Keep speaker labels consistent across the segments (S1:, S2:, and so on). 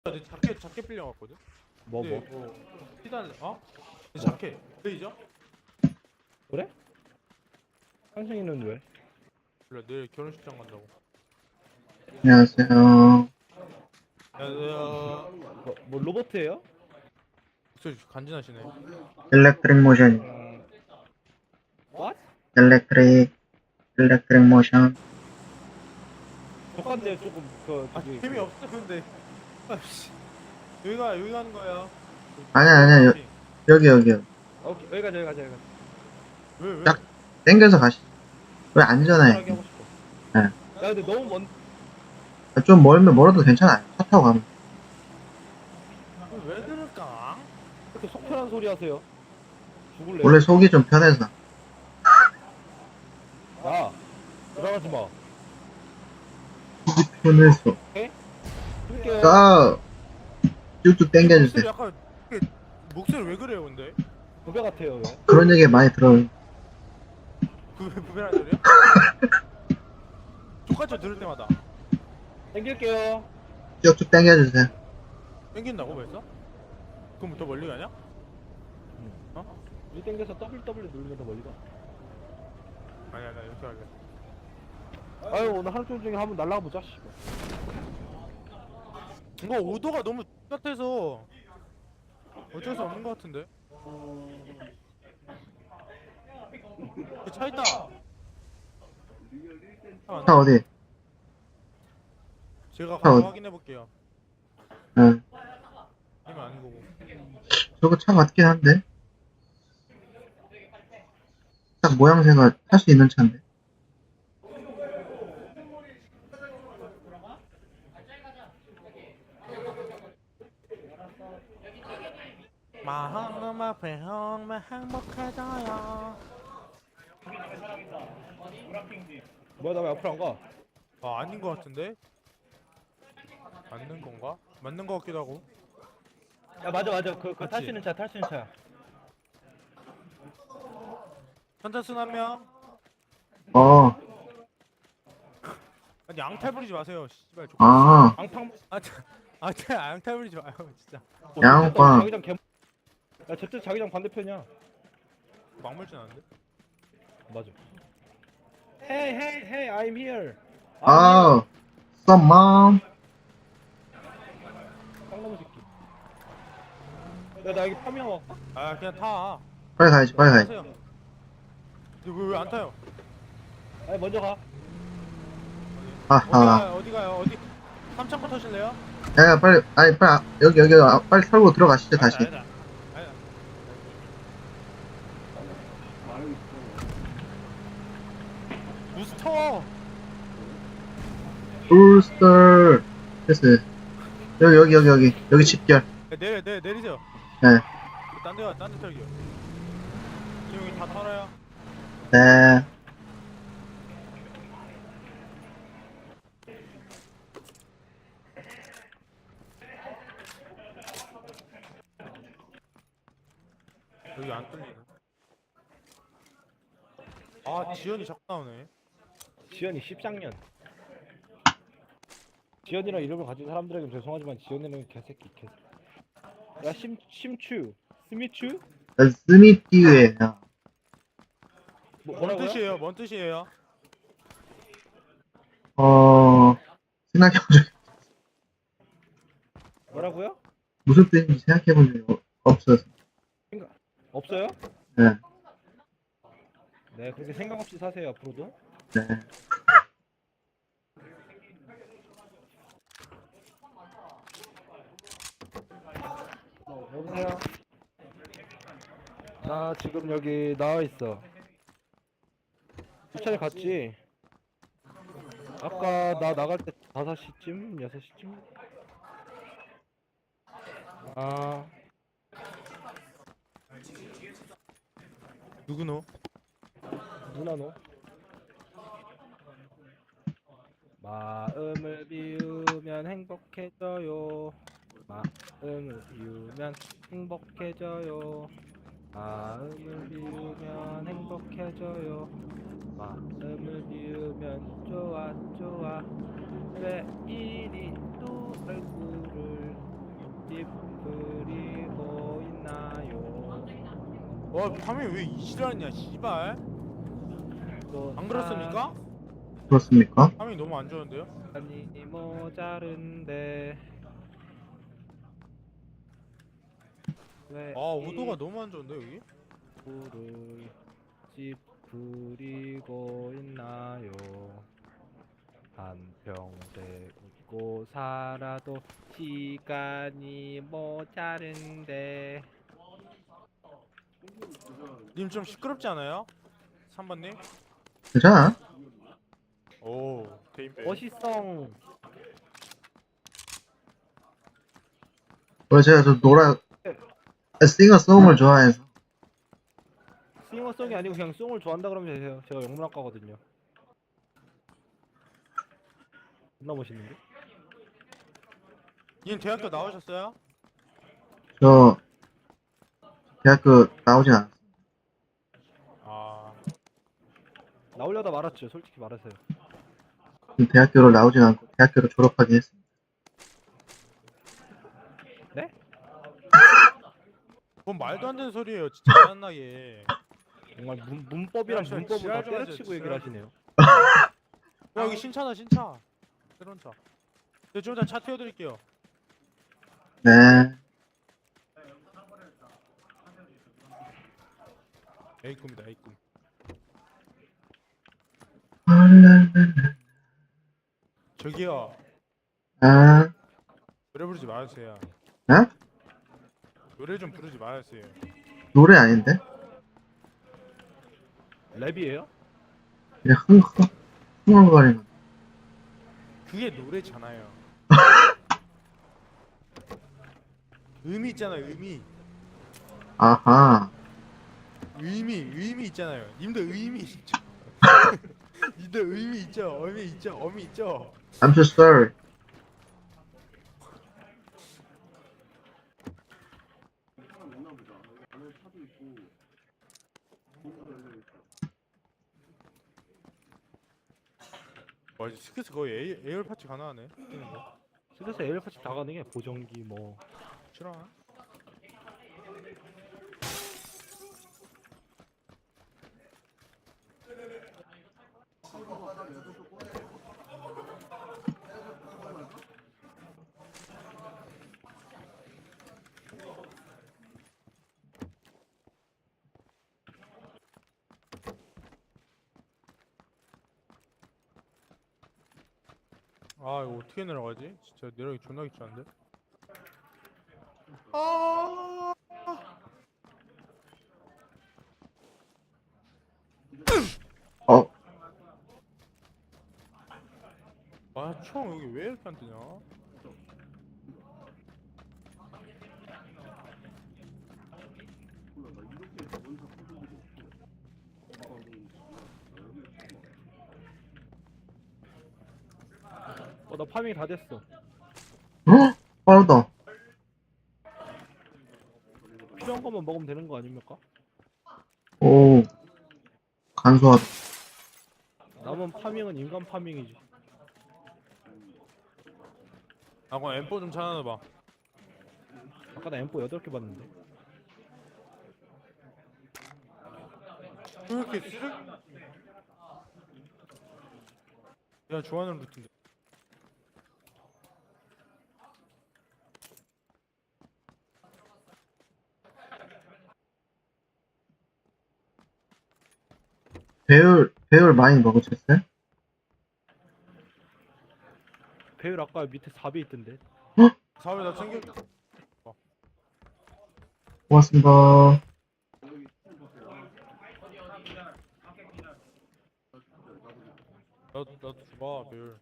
S1: 내 자켓 빌려왔거든.
S2: 뭐?
S1: 피달래. 어? 내 자켓. 레이저?
S2: 그래? 상승이는 왜?
S1: 몰라, 내일 결혼식장 간다고.
S3: 안녕하세요.
S1: 야,
S2: 뭐 로버트예요?
S1: 목소리 간지나시네.
S3: 일렉트릭 모션,
S2: What?
S3: 일렉트릭 모션.
S2: 적한데 조금 저기
S1: 재미 없어 근데. 아씨. 여기 가는 거야.
S3: 아니야. 여기요.
S2: 오케이 여기 가자.
S1: 왜?
S3: 딱 땡겨서 가시. 왜
S2: 편하게
S3: 안전해?
S2: 하고 싶어.
S3: 네.
S2: 야 근데 너무 먼.
S3: 좀 멀어도 괜찮아요. 차 타고 가면.
S1: 왜 그럴까?
S2: 이렇게 속 편한 소리 하세요. 죽을래?
S3: 원래 속이 좀 편해서.
S2: 야 들어가지 마.
S3: 편해서.
S2: 줄게.
S3: 가! 쭉쭉 땡겨주세요.
S1: 목소리 약간 목소리 왜 그래요 근데?
S2: 부배 같아요 왜?
S3: 그런 얘기 많이 들어요.
S1: 부배란 소리야? 족같이 들을 때마다
S2: 땡길게요.
S3: 쭉쭉 땡겨주세요.
S1: 땡긴다고 벌써? 그럼 더 멀리 가냐?
S2: 이 땡겨서 WW 누르면 더 멀리 가.
S1: 아니야 나 이렇게 할래.
S2: 아유 오늘 하루 종일 한번 날라가 보자. 씨발.
S1: 이거 오도가 너무 똑같아서 어쩔 수 없는 것 같은데. 차 있다.
S3: 차 어디?
S1: 제가
S3: 차
S1: 가서
S3: 어디?
S1: 확인해 볼게요.
S3: 응.
S1: 아니면 아닌 거고.
S3: 저거 차 같긴 한데? 딱 모양새가 탈 수 있는 차인데.
S1: 마음 앞에 형만 행복해져요.
S2: 뭐야 나 왜 앞으로 안 가?
S1: 아 아닌 것 같은데? 맞는 건가? 맞는 것 같기도 하고.
S2: 야 맞아 그 탈
S1: 맞지?
S2: 수 있는 차야.
S1: 선착순 한 명.
S3: 어,
S1: 아니 양탈 부리지 마세요. 씨발 족.
S3: 아,
S2: 앙팡.
S1: 양탈 부리지 마요 진짜.
S3: 양빵.
S2: 자기장 개. 야 저쪽 자기장 반대편이야.
S1: 막물진 않은데?
S2: 맞아. Hey, I'm here.
S3: 아, 썸맘.
S2: 쌍놈의 새끼. 야, 나 여기 파밍 왔다?
S1: 아 그냥 타.
S3: 빨리 가야지.
S1: 타세요. 왜 안 타요?
S2: 아니, 먼저 가.
S3: 하하.
S1: 어디 가요? 어디? 삼창고 타실래요?
S3: 야, 빨리, 여기, 빨리 털고 들어가시죠, 다시.
S1: 아니다. 부스터.
S3: 울스터. 됐어요. 여기 집결.
S1: 내리세요.
S3: 네,
S1: 딴데 털기요. 지금 여기 다 털어요.
S3: 네.
S1: 여기 안 뚫리네. 아 지연이 자꾸 나오네.
S2: 지연이 10장년. 지연이랑 이름을 가진 사람들에겐 죄송하지만 지연이는 개새끼. 야, 심추. 스미추?
S3: 스미띠유예요.
S1: 뭔
S2: 뭐라고요?
S1: 뜻이에요? 뭔 뜻이에요?
S3: 생각해본 적,
S2: 뭐라고요?
S3: 무슨 뜻인지 생각해본 적이 없어서.
S2: 없어요?
S3: 네,
S2: 네, 그렇게 생각 없이 사세요, 앞으로도.
S3: 네.
S2: 여보세요? 나 지금 여기 나와 있어. 주차에 갔지? 아까 나 나갈 때 5시쯤? 6시쯤? 아,
S1: 누구 너?
S2: 누나 너? 마음을 비우면 행복해져요. 마음을 비우면 행복해져요. 마음을 비우면 행복해져요. 마음을 비우면 좋아. 왜 이리 또 얼굴을
S1: 와 파밍 왜 이지랄이냐 씨발. 안 그렇습니까?
S3: 그렇습니까?
S1: 파밍 너무 안 좋은데요?
S2: 아니 모자른데 왜
S1: 아 오도가 너무 안 좋은데 여기?
S2: 이불을 찌푸리고 있나요? 한평생 웃고 살아도 시간이 모자른데.
S1: 님 좀 시끄럽지 않아요? 3번님?
S3: 괜찮아.
S1: 오 대인배.
S2: 멋있성.
S3: 원래 제가 좀 싱어송을 좋아해서.
S2: 싱어송이 아니고 그냥 송을 좋아한다 그러면 되세요. 제가 영문학과거든요. 존나 멋있는데?
S1: 님 대학교 나오셨어요?
S3: 저 대학교 나오진 않았어요.
S1: 아
S2: 나오려다 말았죠. 솔직히 말하세요.
S3: 대학교를 나오진 않고 대학교를 졸업하긴 했습니다.
S2: 네?
S1: 뭔 말도 안 되는 소리예요 진짜 짜증나게.
S2: 정말 문법이랑
S1: 야, 저
S2: 문법을 다
S1: 지랄 좀 하세요,
S2: 때려치고 얘기를
S1: 지랄.
S2: 하시네요.
S1: 야 여기 신차다 신차. 새로운 차. 네, 좀 이따 차 태워드릴게요.
S3: 네.
S1: A꿈이다 A꿈. 저기요
S3: 아,
S1: 노래 부르지 마세요.
S3: 어?
S1: 노래 좀 부르지 마세요.
S3: 노래 아닌데?
S2: 랩이에요?
S3: 그냥 흥얼거리는.
S1: 그게 노래잖아요. 의미 있잖아요 의미.
S3: 아하.
S1: 의미 있잖아요. 님도 의미 있죠. 님도 의미 있죠. 어미 있죠. 어미 있죠.
S3: I'm so sorry.
S1: 와 이제 스크스 거의 에어파츠 가능하네.
S2: 스트레스 에어팟이 다 가능해. 보정기 뭐.
S1: 싫어. 아 이거 어떻게 내려가지? 진짜 내려가기 존나 귀찮은데. 아.
S3: 어,
S1: 아총 여기 왜 이렇게 안 뜨냐?
S2: 나 파밍 다 됐어.
S3: 헉? 빠르다.
S2: 필요한 것만 먹으면 되는 거 아닙니까?
S3: 오, 간소하다.
S2: 남은 파밍은 인간 파밍이지.
S1: 아 그럼 M4 좀 찾아놔봐.
S2: 아까 나 M4 8개 봤는데.
S1: 왜 이렇게 쓰레기? 야 좋아하는 루트인데.
S3: 배율 많이 먹으셨어요?
S2: 배율 아까 밑에 4배 있던데.
S1: 사회 나 챙겨.
S3: 고맙습니다.
S1: 나도 줘봐 배율.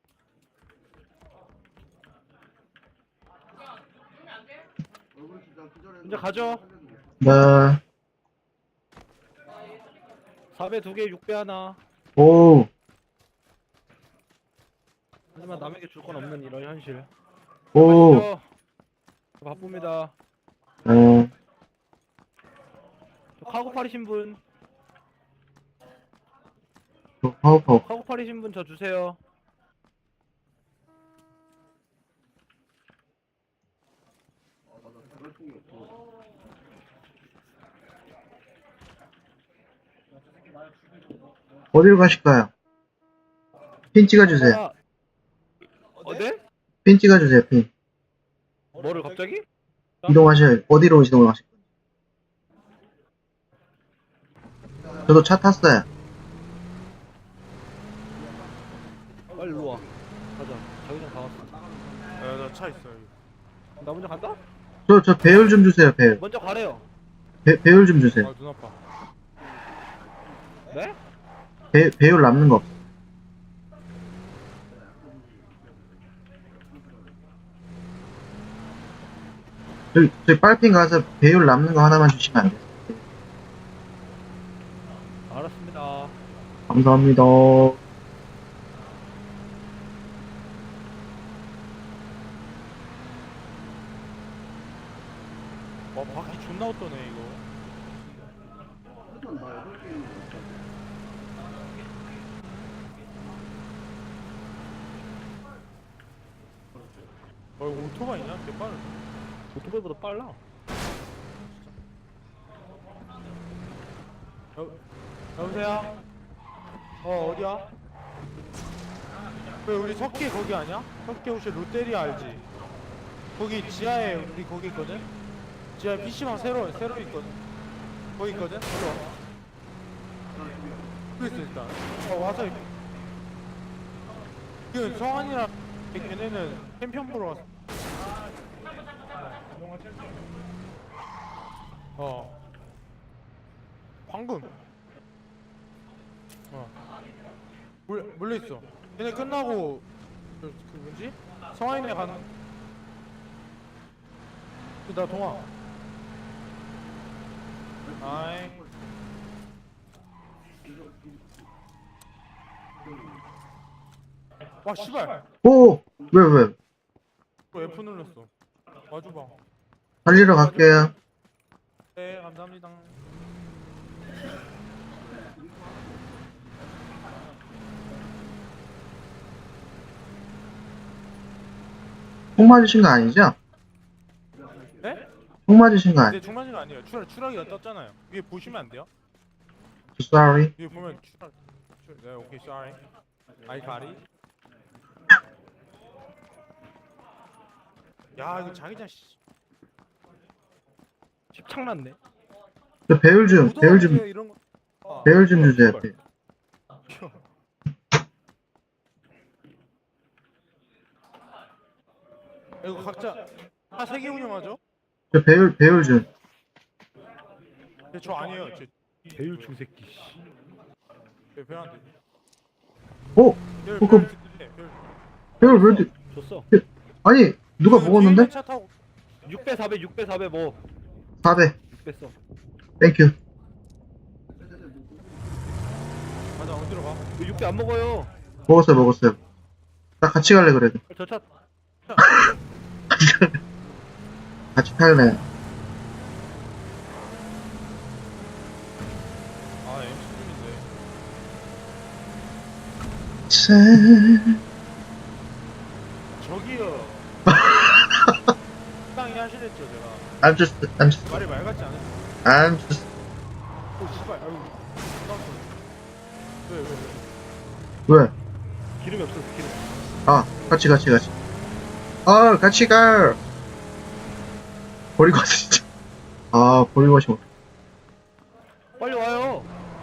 S2: 이제 가죠.
S3: 네.
S2: 4배 2개, 6배 하나.
S3: 오,
S2: 하지만 남에게 줄 건 없는 이런 현실.
S3: 오,
S2: 가시죠. 저 바쁩니다.
S3: 어,
S2: 저 카고 팔이신 분,
S3: 파워파워.
S2: 카고 팔이신 분 저 주세요.
S3: 어디로 가실까요? 핀 찍어주세요.
S2: 아, 네?
S3: 핀 찍어주세요, 핀.
S2: 뭐를 갑자기?
S3: 이동하셔요. 어디로 이동하실 거예요? 저도 차 탔어요.
S2: 빨리 일로 와. 가자. 자기장 다 왔어.
S1: 나 차 있어 여기.
S2: 나 먼저 간다?
S3: 저 배율 좀 주세요, 배율.
S2: 먼저 가래요.
S3: 배율 좀 주세요.
S1: 눈 아파.
S2: 네?
S3: 배율 남는 거 없어. 저희 빨핀 가서 배율 남는 거 하나만 주시면 안 돼요?
S2: 알았습니다.
S3: 감사합니다.
S1: 와 바퀴 존나 어떠네 이거. 이거 오토바이냐? 개빠르.
S2: 오토바이보다 빨라.
S1: 여보세요? 어디야? 왜 우리 석계 거기 아니야? 석계 혹시 롯데리아 알지? 거기 지하에 우리 거기 있거든? 지하에 PC방 새로 있거든? 거기 있거든? 일로 와. 그랬어 일단 와서 그 성환이랑 걔네는 챔피언 보러 왔어. 방금 몰려있어. 걔네 끝나고 그 뭐지? 성환이네 가는 나 동화 아이 와 씨발
S3: 오! 왜?
S1: 또 F 눌렀어. 와줘봐.
S3: 달리러 갈게요.
S1: 네 감사합니다.
S3: 총 맞으신 거 아니죠?
S1: 네?
S3: 총 맞으신 거
S1: 근데
S3: 아니죠?
S1: 중간지가 아니에요. 추락이 떴잖아요. 위에 보시면 안 돼요?
S3: Sorry.
S1: 위에 보면 네 오케이 sorry. I got it. 야 이거 자기장 씨.
S2: 집착났네.
S3: 저 배율 좀
S1: 이런 거.
S3: 배율 좀 주세요. 배율.
S1: 이거 각자 다 세 개 운영하죠?
S3: 저 배율 좀.
S1: 근데 저 아니에요.
S2: 배율 중새끼 씨.
S1: 별한테.
S3: 오!
S1: 별
S3: 그럼-
S1: 별.
S3: 배율 왜 이렇게
S2: 줬어.
S3: 아니 누가 먹었는데?
S1: 차 타고
S2: 6배 4배 6배 4배 뭐
S3: 4배.
S2: 6배 써.
S3: 땡큐.
S1: 가자 어디로 가?
S2: 왜 6배 안 먹어요?
S3: 먹었어요. 나 같이 갈래 그래도.
S2: 저 차
S3: 같이 탈래.
S1: 아 M16인데. 저기요. 땅이 하시랬죠 제가.
S3: I'm just,
S1: 말이 말 같지 않으세요?
S3: I'm just.
S1: 오 씨발 아이고. 왜?
S3: 왜?
S2: 기름이 없어서 기름.
S3: 아, 같이. 아, 같이 가. 버리고 왔어, 진짜. 아, 버리고 가시면.
S2: 빨리 와요.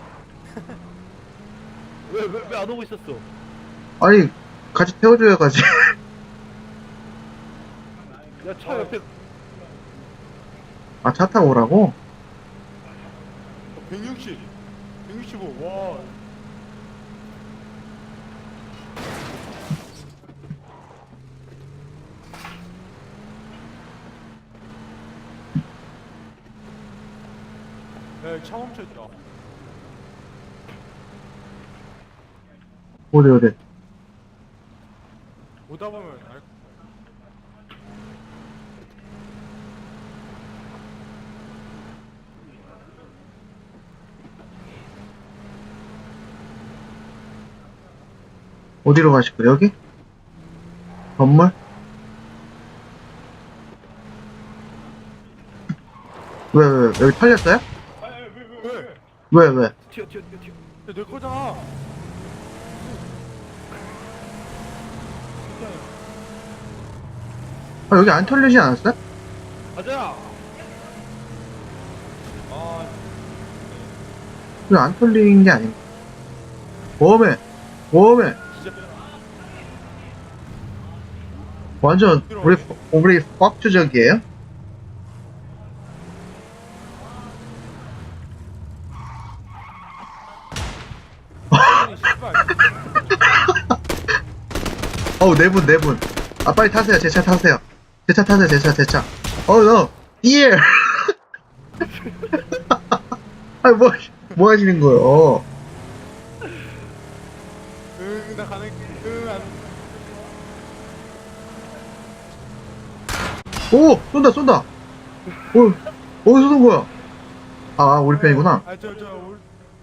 S2: 왜 안 오고 있었어?
S3: 아니, 같이 태워줘야 가지.
S2: 야 차 옆에
S3: 아, 차 타고 오라고?
S1: 160 165 와. 야, 차 멈춰있다.
S3: 어디.
S1: 오다 보면 알.
S3: 어디로 가실 거예요? 여기? 건물? 왜? 여기 털렸어요?
S1: 왜?
S3: 왜?
S2: 튀어.
S1: 내 거잖아.
S3: 아, 여기 안 털리지 않았어요?
S2: 가자.
S1: 아,
S3: 여기 안 털린 게 아닌가? 웜에
S1: 진짜.
S3: 완전 우리 꽉주적이에요?
S1: 아니, 씨발.
S3: 어우, 네 분. 아, 빨리 타세요. 제 차 타세요. 제 차 타세요. 제 차. 어우, 너, 예! 아니, 뭐 하시는 거예요?
S1: 응, 나 가는, 응, 안.
S3: 오! 쏜다! 어디서 쏜 거야? 아, 우리 편이구나.
S1: 아, 우리.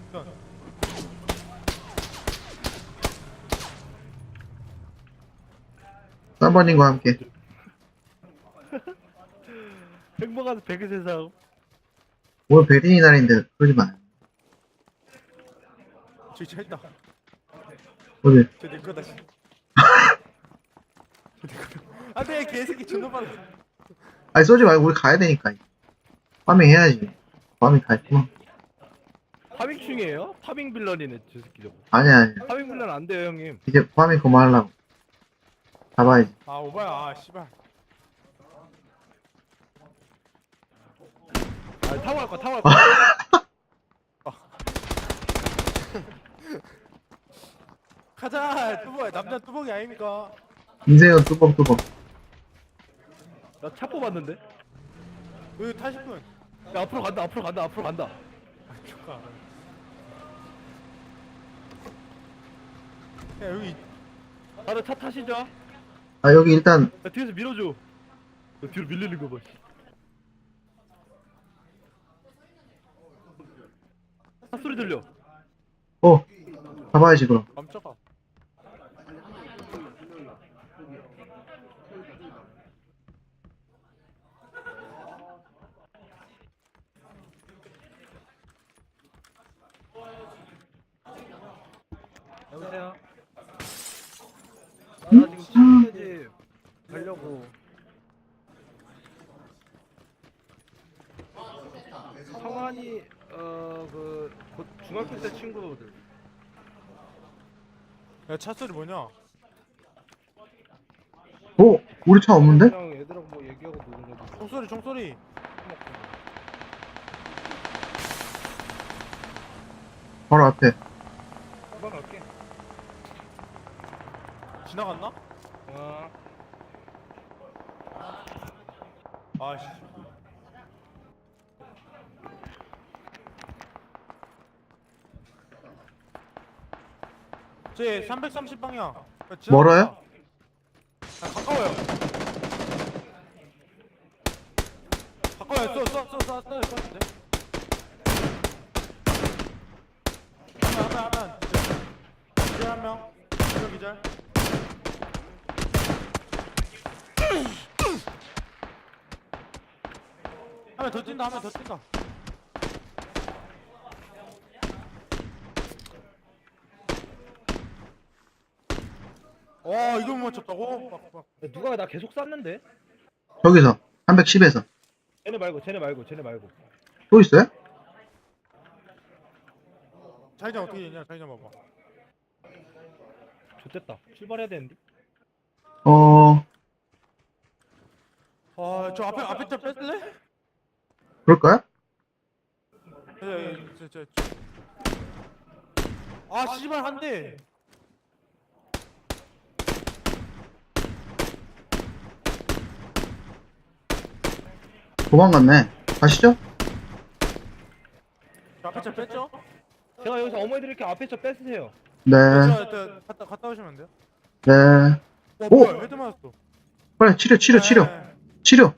S3: 사바님과 함께.
S2: 행복한 백의 세상.
S3: 오늘 베린이 날인데, 그러지 마.
S1: 저기 차 있다.
S3: 어디?
S1: 저내 거다. 씨. 저내 거다. 안 돼, 개새끼 존나 빨라.
S3: 아니, 쏘지 말고 우리 가야 되니까. 파밍 해야지. 파밍 다 했구만.
S2: 파밍 중이에요? 파밍 빌런이네 저 새끼 저거.
S3: 아니야.
S2: 파밍 빌런 안 돼요 형님.
S3: 이제 파밍 그만하려고. 잡아야지.
S1: 아, 오바야, 아, 씨발.
S2: 아 타고 갈 거야.
S1: 가자, 뚜벅, 남자 뚜벅이 아닙니까?
S3: 인생은 뚜벅뚜벅.
S2: 나 차 뽑았는데.
S1: 여기 타실 분.
S2: 야 앞으로 간다.
S1: 아, 잠깐. 야, 여기.
S2: 다들 차 타시죠. 야
S3: 아, 여기 일단,
S2: 뒤에서 밀어줘. 야, 뒤로 밀리는 거 봐. 차 소리 들려.
S3: 잡아야지, 그럼.
S1: 깜짝아.
S2: 여보세요. 나 지금 친구들 가려고. 성환이 곧 중학교 때 친구들.
S1: 야, 차 소리 뭐냐?
S3: 우리 차 없는데?
S2: 그냥 애들하고 뭐 얘기하고 노는 거지.
S1: 총소리.
S3: 바로 앞에.
S2: 금방 갈게.
S1: 지나갔나?
S2: 아,
S1: 아씨. 제 330방향.
S3: 멀어요?
S1: 아, 가까워요. 써. 하면. 기절 한 명. 기절. 한 명 더 뛴다. 이걸 못 맞췄다고?
S2: 야, 누가 나 계속 쐈는데?
S3: 저기서. 310에서.
S2: 쟤네 말고.
S3: 또 있어요?
S1: 자기장 어떻게 되냐? 자기장 봐봐.
S2: 좋됐다. 출발해야 되는데.
S1: 저 앞에 차 뺐을래?
S3: 그럴까요?
S1: 씨발 한 대.
S3: 도망갔네. 가시죠?
S1: 저 앞에 차 뺐죠?
S2: 제가 여기서 어머니들 이렇게 앞에 저 뺏으세요.
S3: 네.
S1: 저 갔다 오시면 안 돼요?
S3: 네.
S1: 뭐야? 헤드 맞았어.
S3: 빨리 치료.
S1: 네.
S3: 치료.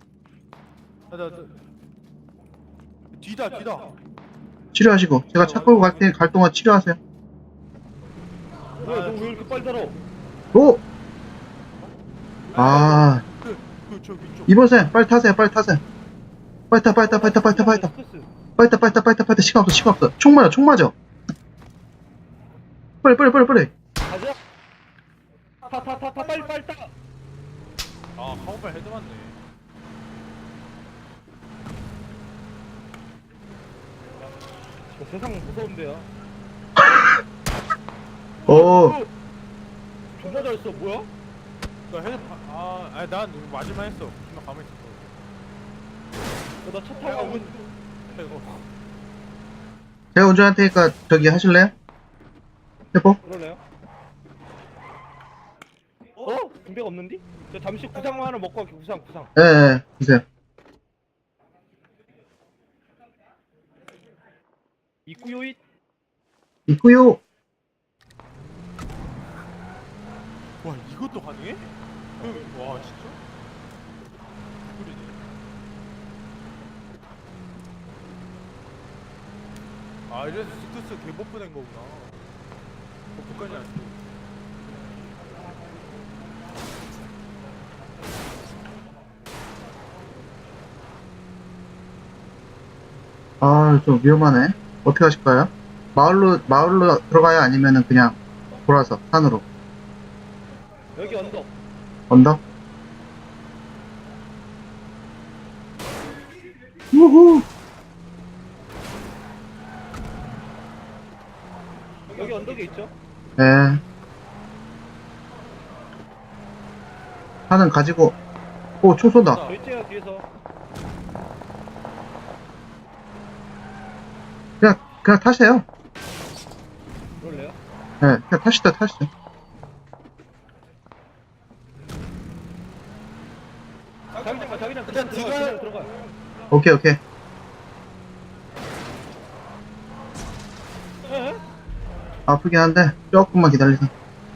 S1: 뒤다.
S3: 치료하시고. 제가 차 끌고 갈 테니 갈 동안 치료하세요.
S2: 뭐야, 너 왜 이렇게 빨리 달아?
S3: 오! 아,
S1: 저기 쪽.
S3: 이번생 빨리 타세요. 빨리 타.
S2: 스커스.
S3: 시간 없어. 총 맞아. 빨리.
S2: 가자. 타 빨리 타.
S1: 아 카운팔 헤드 맞네.
S2: 세상 무서운데요.
S3: 오,
S2: 존나 잘 써. 뭐야?
S1: 나 헤드 아니 난 맞을만 했어. 그냥 가만히 있었어.
S2: 나 차 타고 가고 있
S1: 이거
S3: 제가 운전할 테니까 저기 하실래요? 해보?
S2: 그러네요. 군대가 없는디? 저 잠시 구상만 하나 먹고 갈게. 구상.
S3: 예, 주세요.
S2: 있구요잇.
S3: 있고요.
S1: 와 이것도 가능해? 와 진짜? 소리네. 아 이래서 스투스 개버프 된 거구나. 버프까지 안 쓰고.
S3: 아, 좀 위험하네. 어떻게 하실까요? 마을로 들어가요? 아니면은 그냥 돌아서 산으로?
S2: 여기 언덕.
S3: 언덕? 우후!
S2: 여기 언덕에 있죠?
S3: 네. 산은 가지고, 오, 총 쏜다.
S2: 저 있죠 뒤에서.
S3: 그냥 타세요.
S2: 그럴래요?
S3: 네, 그냥 타시죠.
S2: 자기장
S1: 일단
S2: 들어가.
S3: 오케이.
S2: 에?
S3: 아프긴 한데, 조금만 기다리세요.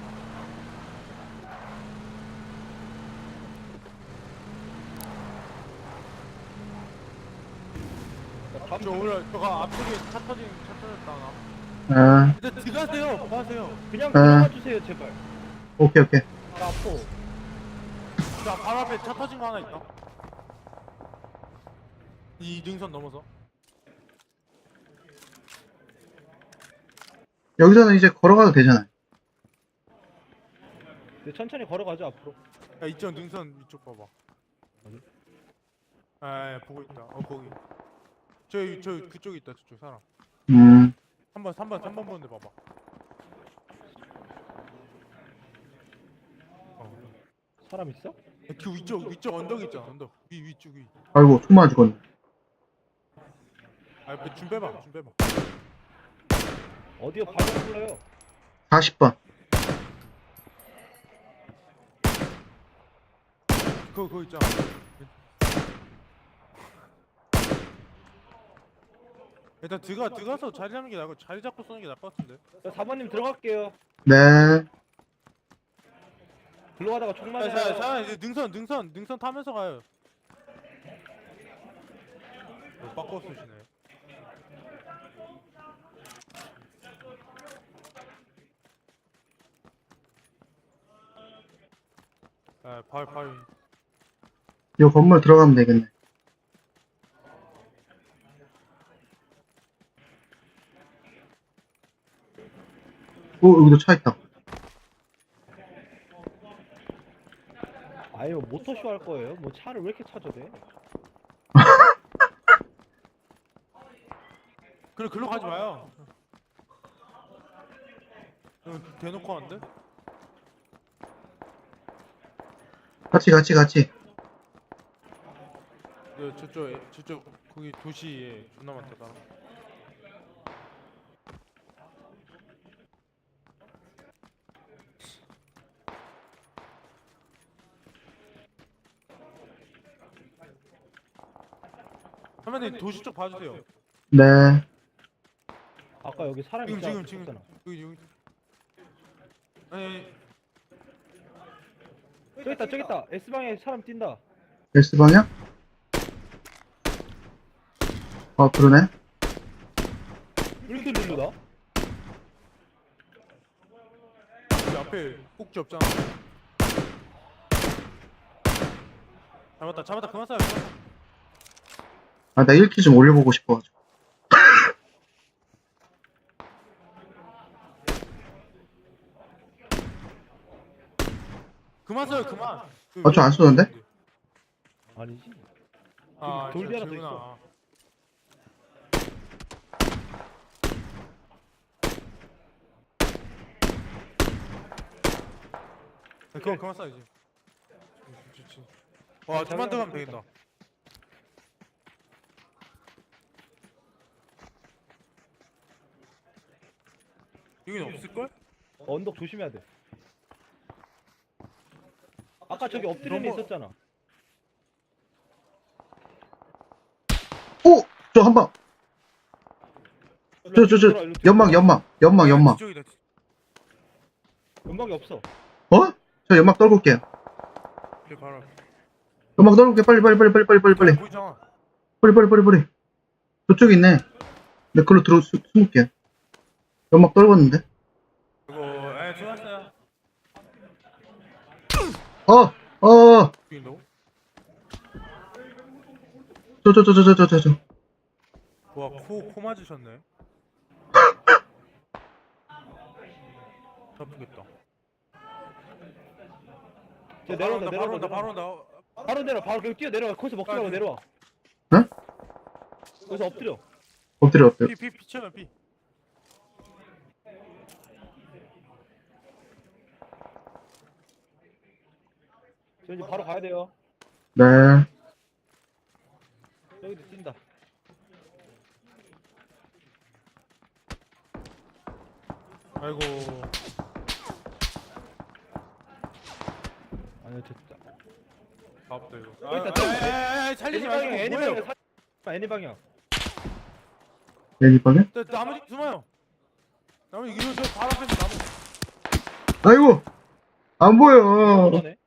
S1: 저 오늘 저거 앞쪽에 차 터졌다 나.
S3: 네,
S1: 일단 들어가세요. 뭐 하세요?
S2: 그냥 들어가 주세요 제발.
S3: 오케이.
S2: 나 아파.
S1: 자 바로 앞에 차 터진 거 하나 있다. 이 능선 넘어서.
S3: 여기서는 이제 걸어가도 되잖아요.
S2: 네, 천천히 걸어가죠 앞으로.
S1: 야 이쪽 능선 이쪽 봐봐.
S2: 어디?
S1: 보고 있다. 거기. 저 그쪽에 있다. 저쪽 사람. 3번 보는데 봐봐.
S2: 사람 있어?
S1: 그 위쪽 언덕 있잖아. 언덕 위쪽 위.
S3: 아이고, 총 맞아 죽었네.
S1: 준 빼봐.
S2: 어디요? 바로 불러요.
S3: 40번.
S1: 그거 있잖아. 일단 들어가서 자리 잡는 게 나고 자리 잡고 쏘는 게 나을 것 같은데.
S2: 저 4번님 들어갈게요.
S3: 네.
S2: 들어가다가 총 맞아요.
S1: 자 이제 능선 타면서 가요. 바꿔 쏘시네. 바위.
S3: 요 건물 들어가면 되겠네. 오, 여기도 차 있다.
S2: 아유 모터쇼 할 거예요? 뭐 차를 왜 이렇게 찾아대?
S1: 그래 글로 가지 마요. 대놓고 하는데?
S3: 같이.
S1: 저쪽 거기 도시에 존나 많다 사람. 선배님 도시 쪽 봐주세요.
S3: 네.
S2: 아까 여기 사람
S1: 지금
S2: 있잖아.
S1: 여기. 아니
S2: 저기 있다. S방에 사람 뛴다.
S3: S방향? 그러네.
S2: 왜 이렇게 누르다?
S1: 여기 앞에 꼭지 없잖아. 잡았다 그만 쏴요.
S3: 나 1키 좀 올려보고 싶어가지고.
S1: 그만 써요 그만.
S3: 저안 쏘는데?
S2: 아니지.
S1: 아
S2: 돌 뒤 하나 더
S1: 저기구나.
S2: 있어.
S1: 그만 써야지. 좋지. 와 좀만 더 가면 되겠다. 여긴 없을걸?
S2: 언덕 조심해야 돼. 아까 저기 엎드린 애
S1: 너무-
S2: 있었잖아.
S3: 오! 저 한 방. 연막.
S1: 뒤쪽이다.
S2: 연막이 없어.
S3: 어? 저 연막 떨고 올게요.
S1: 여기 바로 앞에.
S3: 연막 떨고 올게. 빨리.
S1: 보이잖아.
S3: 빨리. 저쪽에 있네. 내 걸로 숨을게요. 연막 떨궜는데.
S1: 이거 쏘았어요. 죽인다고?
S3: 저.
S1: 와 코 맞으셨네. 아프겠다.
S2: 저 내려온다.
S1: 바로 온다.
S2: 바로 내려. 바로 그냥 뛰어 내려와. 거기서 먹지 말고 내려와.
S3: 응?
S2: 거기서 엎드려.
S3: 엎드려.
S1: 피 쳐요 피.
S2: 저 이제 바로 가야 돼요.
S3: 네.
S2: 여기도 뛴다.
S1: 아이고.
S2: 아니 됐다.
S1: 바쁘다 이거.
S2: 여기 있다.
S1: 살리지
S2: 애니
S1: 말고
S2: 방향.
S1: 뭐예요?
S2: 애니 방향.
S3: 내리방에?
S1: 나머지 숨어요. 나머지 이거 저 바로 앞에 있는 나무.
S3: 아이고! 안 보여.
S2: 그러네.